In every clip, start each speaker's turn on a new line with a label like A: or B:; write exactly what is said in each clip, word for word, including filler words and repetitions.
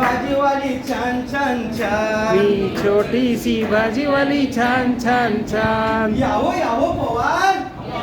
A: भाजीवाली छान छान छान
B: मी छोटीशी भाजीवाली छान छान छान
A: यावो यावो पवार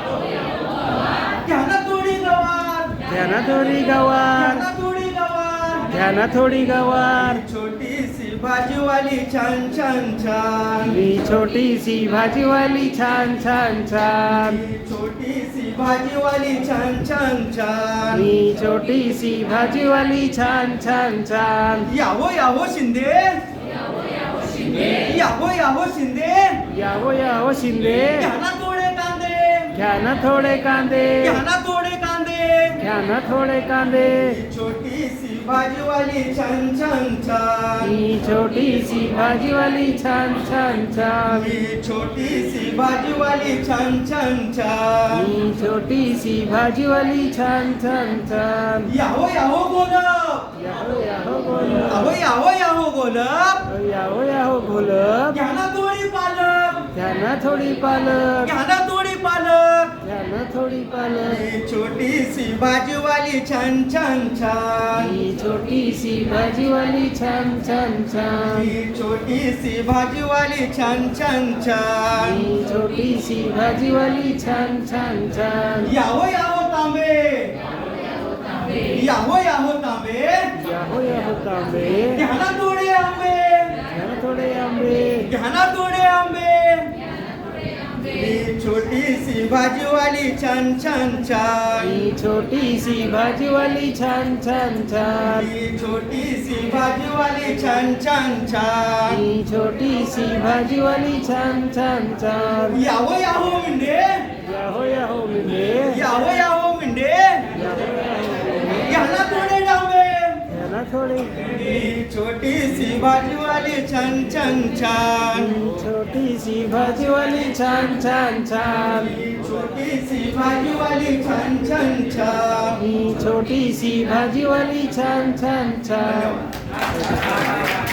A: घ्या ना थोडी गवार
B: घ्या ना थोडी गवार
A: घ्या ना थोडी गवार
B: घ्या ना थोडी गवार
A: छोटीशी भाजीवाली छान छान छान
B: मी छोटीशी भाजीवाली छान छान छान
A: छोटीशी भाजीवाली छान छान छान
B: मी छोटीशी भाजीवाली छान छान छान
A: यावो यावो शिंदे यावो यावो शिंदे
B: यावो यावो शिंदे
A: घ्या ना थोडे कांदे
B: घ्या ना थोडे कांदे
A: घ्या ना थोडे कांदे
B: घ्या ना थोडे कांदे
A: छोटीशी भाजीवाली छान छान छान
B: मी छोटीशी भाजीवाली छान छान छान
A: मी छोटीशी भाजीवाली छान छान छान
B: मी छोटीशी भाजीवाली छान छान छान
A: याहो याहो गोलब
B: याहो याहो बोलप
A: अहो याहो याहो गोलब
B: याहो याहो बोलप
A: घ्या ना थोडी पालक
B: घ्या ना थोडी पालक
A: घ्या ना थोडी पालक
B: घ्या ना थोडी पालक
A: मी छोटीशी भाजीवाली छान छान छान
B: मी छोटीशी भाजीवाली छान छान छान
A: मी छोटीशी भाजीवाली छान छान छान
B: मी छोटीशी भाजीवाली छान छान छान
A: याहो याहो तांबे याहो याहो तांबे
B: याहो याहो तांबे
A: घ्या ना थोडे आंबे
B: घ्या ना थोडे आंबे
A: घ्या ना थोडे आंबे मी छोटीशी भाजीवाली छान छान छान
B: मी छोटीशी भाजीवाली छान छान छान
A: मी छोटीशी भाजीवाली छान छान छान
B: मी छोटीशी भाजीवाली छान छान छान
A: याहो याहो मिंडे
B: याहो याहो मिंडे
A: याहो याहो मिंडे
B: याहो याहो
A: घ्या ना थोडे डांबे
B: घ्या ना थोडे
A: मी छोटीशी भाजीवाली छान छान छान
B: मी छोटीशी भाजीवाली छान छान छान
A: मी छोटीशी भाजीवाली छान छान छान
B: मी छोटीशी भाजीवाली छान छान छान